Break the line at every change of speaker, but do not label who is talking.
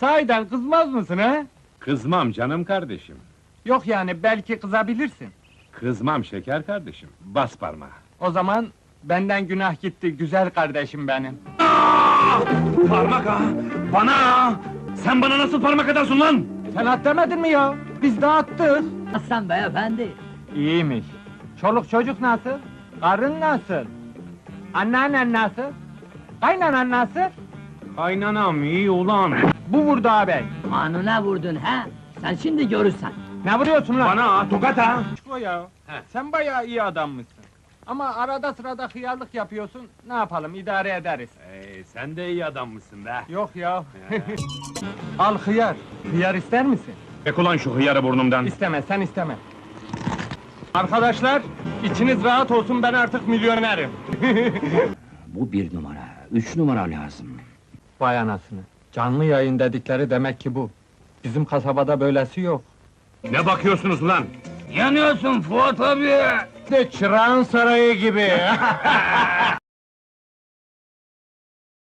Sahiden kızmaz mısın ha?
Kızmam canım kardeşim.
Yok yani, belki kızabilirsin.
Kızmam şeker kardeşim. Bas parmağı.
O zaman benden günah gitti, güzel kardeşim benim.
Parmak ha! Bana ha! Sen bana nasıl parmak atarsın lan?
Sen at demedin mi ya? Biz de attık.
Aslan beyefendi.
İyiymiş. Çoluk çocuk nasıl? Karın nasıl? Anneannen nasıl? Kaynanan nasıl?
Kaynanam iyi ulan!
Bu vurdu ağabey.
Kanuna vurdun ha? Sen şimdi görürsen.
Ne vuruyorsun lan?
Bana ha! Tokat ha!
Bu ya. Sen bayağı iyi adammışsın. Ama arada sırada hıyarlık yapıyorsun. Ne yapalım, idare ederiz.
Sen de iyi adammışsın be!
Yok ya. Al hıyar. Hıyar ister misin?
Çek ulan şu hıyarı burnumdan!
İsteme, sen isteme. Arkadaşlar, içiniz rahat olsun, ben artık milyonerim.
Bu 1 numara, 3 numara lazım.
Vay anasını. Canlı yayın dedikleri demek ki bu. Bizim kasabada böylesi yok.
Ne bakıyorsunuz ulan?
Yanıyorsun Fuat abi!
De Çırağan Sarayı gibi.